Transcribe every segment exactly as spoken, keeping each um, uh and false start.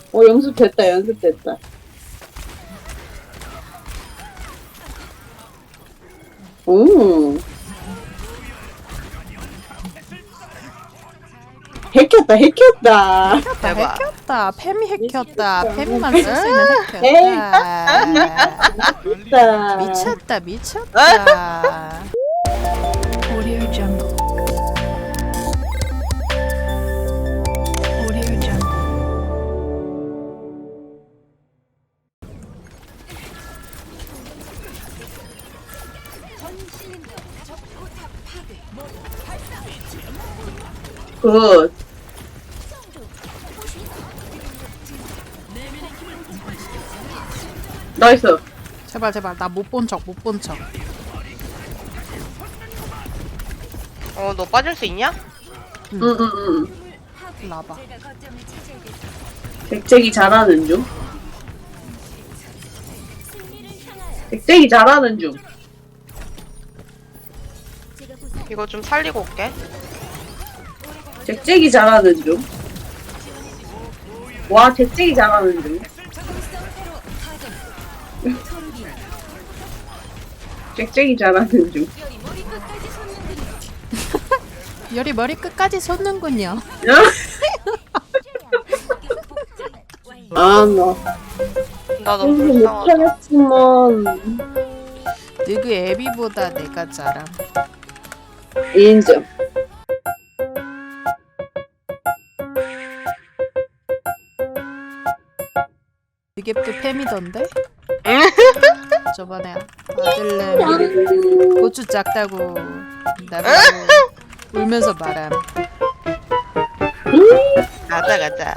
어, 연습됐다, 연습됐다. 오. 핵혔다, 핵혔다. 대박. 핵혔다. 페미 핵혔다. 페미만 쓸 수 있는 에이. 핵혔다. 했다. 미쳤다 미쳤다. Audio Jungle. Audio Jungle. 굿. 나이스. 제발 제발 나 못 본 척 못 본 척. 어, 너 빠질 수 있냐? 응, 응, 응. 일로 와봐. 백잭이 잘하는 중. 백잭이 잘하는 중. 이거 좀 살리고 올게. 백잭이 잘하는 중. 와, 백잭이 잘하는 중. 백잭이 잘하는 중. 열이 머리 끝까지 솟는군요. 아, 나. 나 너무 공부 불쌍하다. 못하겠지만. 너그 애비보다 내가 잘함. 인정. 이게 또 팸이던데? 저번에 아들내미 고추 작다고 나보고 울면서 말함. 가자, 가자.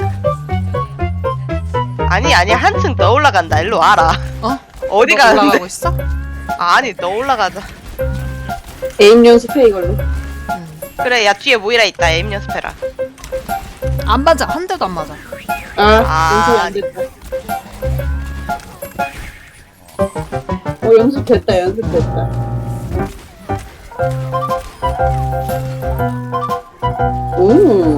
아니, 아니, 한층 더 올라간다. 일로 와라. 어? 어디 너 올라가고 가는데? 있어? 아, 아니, 너 올라가자. 에임 연습해, 이걸로. 응. 그래, 야, 뒤에 모이라 있다. 에임 연습해라. 안 맞아. 한 대도 안 맞아. 아, 아. 연습이 안 됐다. 어, 연습됐다, 연습됐다. 오.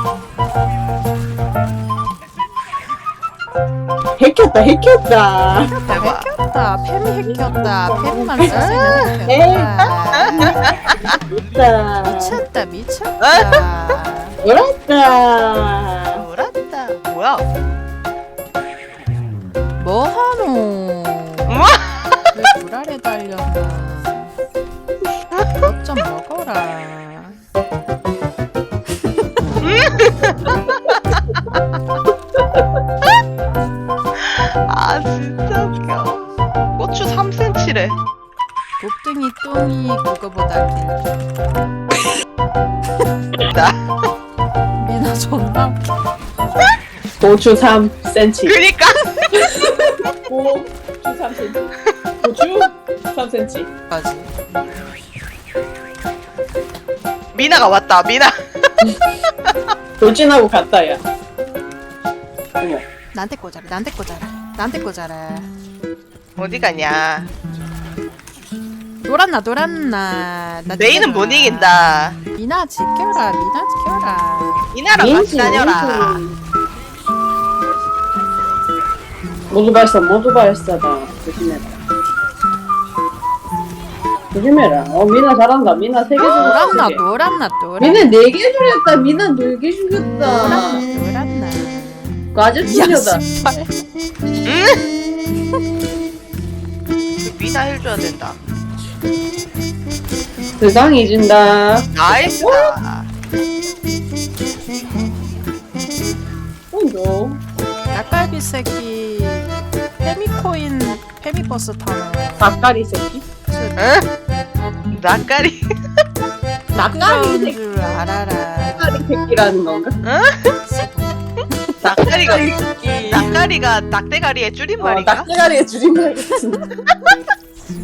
핵혔다, 핵혔다. 대박. 핵혔다. 팸이 핵혔다. 팸만 쓸 수 있는 에이. 핵혔다. 했다. 미쳤다 미쳤다. 놀았다. 놀았다. 뭐야? 뭐하노? 우와! 왜 불알에 달렸나? 것 좀 먹어라. 아, 진짜 웃겨. 고추 삼 센티미터래. 곱등이 똥이 그거보다 길. 나. 미나 존나 웃겨. 고추 삼 센티미터. 그니까. 고추 삼 센티미터. 고추 삼 센티미터. 까지. 미나가 왔다. 미나. 돌진하고 갔다, 야. 어머. 나한테 꽂아라. 나한테 꽂아라. 나한테 꽂아라. 어디 가냐? 놀았나 놀았나. 나 메인은 지켜라. 못 이긴다. 미나 지켜라. 미나 지켜라. 미나랑 같이 다녀라. 모두 발사, 모두 발사다. 조심해라. 조심해라. 어, 미나 잘한다. 미나 세 개 놀았나 죽였다. 놀았나 놀았나. 미나 네 개 죽였다. 미나 네 개 죽였다. 놀았나 놀았나. 과즙 죽였다. 야 씨발. 그 미나 해줘야 된다. 세상이 진다. 나이스다. 혼조. 닭갈비 새끼. 페미코인 페미버스 타는. 닭다리 새끼. 응? 낯가리. 닭다리 새끼. 줄 알아라. 닭다리 새끼라는 건가? 낯가리가 낯가리가 닭대가리의 어, 줄임말인가? 닭대가리의 줄임말 같은.